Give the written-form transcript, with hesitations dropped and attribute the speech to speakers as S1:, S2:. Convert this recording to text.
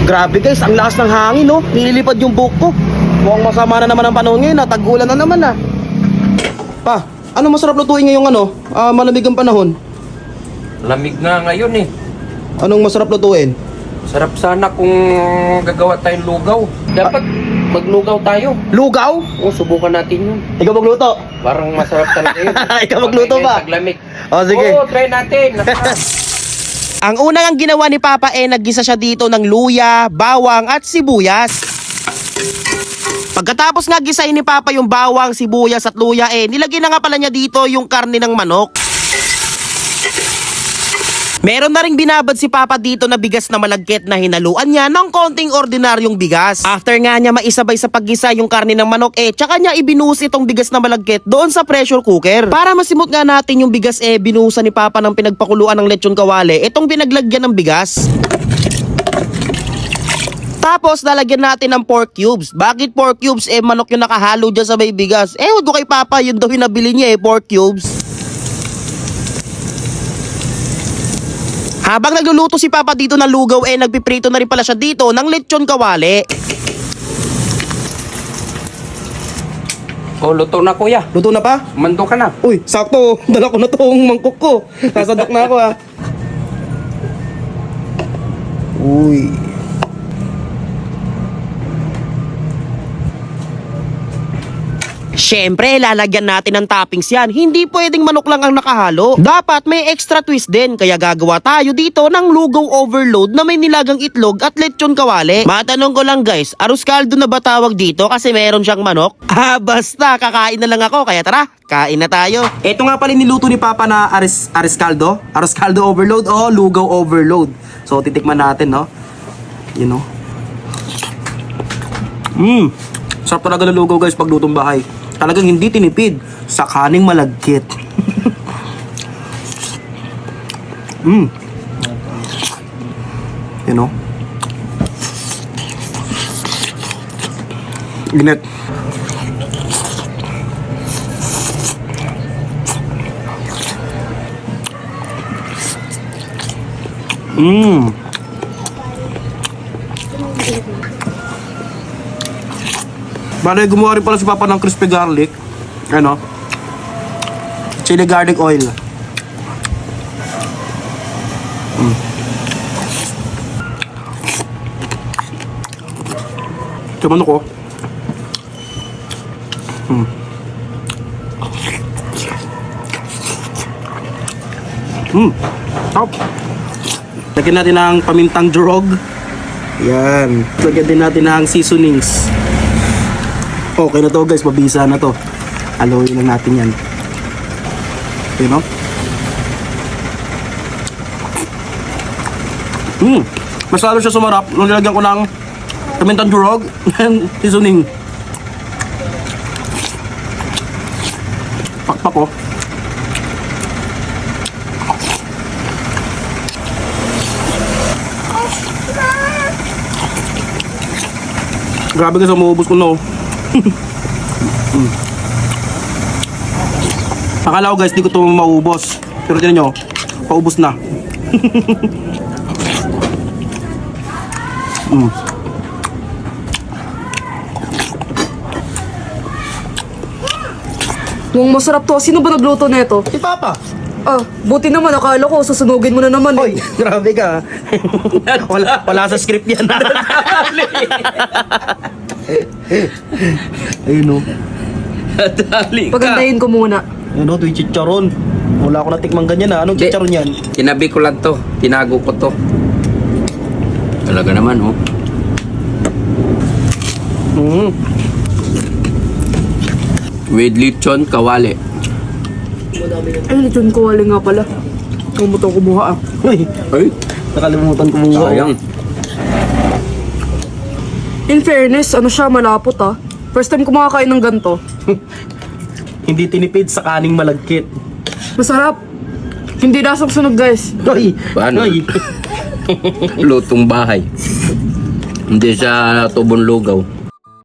S1: Grabe guys, ang lakas ng hangin no. Nililipad yung buhok ko. Mukhang masama na naman ang panahon ngayon, tag-ulan na naman ah. Pa, ano masarap lutuin ngayong malamig ang panahon?
S2: Lamig nga ngayon eh.
S1: Anong masarap lutuin?
S2: Sarap sana kung gagawa tayong lugaw. Dapat maglugaw tayo.
S1: Lugaw?
S2: O, subukan natin yun.
S1: Ikaw magluto.
S2: Parang masarap talaga yun.
S1: Ikaw magluto ba?
S2: Taglamig.
S1: O sige.
S2: Oo, try natin.
S1: Ang unang ginawa ni Papa naggisa siya dito ng luya, bawang at sibuyas. Pagkatapos nga gisain ni Papa yung bawang, sibuyas at luya nilagyan na nga pala niya dito yung karne ng manok. Meron na ring binabad si Papa dito na bigas na malagkit na hinaluan niya ng konting ordinaryong bigas. After nga niya maisabay sa paggisa yung karne ng manok tsaka niya ibinuhos itong bigas na malagkit doon sa pressure cooker. Para masimot nga natin yung bigas binuhusan ni Papa ng pinagpakuluan ng lechon kawali itong pinaglagyan ng bigas. Tapos lalagyan natin ng pork cubes. Bakit pork cubes? Manok yung nakahalo dyan sa may bigas. Huwag ko kay Papa, yun daw yung nabili niya pork cubes. Habang nagluluto si Papa dito ng lugaw nagpiprito na rin pala siya dito ng lechon kawali.
S2: O, luto na kuya.
S1: Luto na pa?
S2: Mando ka na.
S1: Uy, sakto. Dala ko na tong mangkok ko. Nasadok na ako Uy. Siyempre, lalagyan natin ng toppings yan. Hindi pwedeng manok lang ang nakahalo. Dapat may extra twist din. Kaya gagawa tayo dito ng lugaw overload na may nilagang itlog at lechon kawali. Matanong ko lang guys, arroz caldo na ba tawag dito kasi meron siyang manok? Basta, kakain na lang ako. Kaya tara, kain na tayo. Ito nga pala niluto ni Papa na arroz caldo. Arroz caldo overload o lugaw overload. So, titikman natin, no? You know? Sarap talaga ng lugaw guys pag lutong bahay. Talagang hindi tinipid sa kaning malagkit. You know? Ginit. Bale, gumawa rin pala si Papa ng crispy garlic. Chili garlic oil. Ito manok ko. Top. Lagyan natin ng pamintang durog. Yan. Lagyan din natin ng seasonings. Okay na to guys, mabisa na to. Haluin lang natin yan. Okay no? Mas lalo siya sumarap nung nilagyan ko ng pamintang durog and seasoning. Pakpak ko. Grabe guys, umuubos ko na Akala ko guys, di ko ito maubos. Pero tinan nyo, paubos na.
S3: Mukhang masarap to. Sino ba nagluto nito?
S1: Si Papa.
S3: Buti naman. Akala ko, susunugin mo na naman
S1: Hoy, grabe ka. wala sa script yan. Ayun o.
S2: Dali ka.
S3: Pagandahin ko muna.
S1: Ayun o, ito yung chicharon. Wala ko natikmang ganyan Anong chicharon yan?
S2: Tinabi ko lang to. Tinago ko to. Talaga naman With lechon kawali.
S3: Ay, lechon ko wali nga pala. Kumuto kumuha
S1: Uy,
S2: Ay,
S1: nakalimutan ko muna.
S2: sayang.
S3: In fairness, siya, malapot First time ko makakain ng ganito.
S1: Hindi tinipid sa kaning malagkit.
S3: Masarap. Hindi lasang sunog guys.
S1: Uy,
S2: Paano?
S1: uy.
S2: Lutong bahay. Hindi siya tubong lugaw.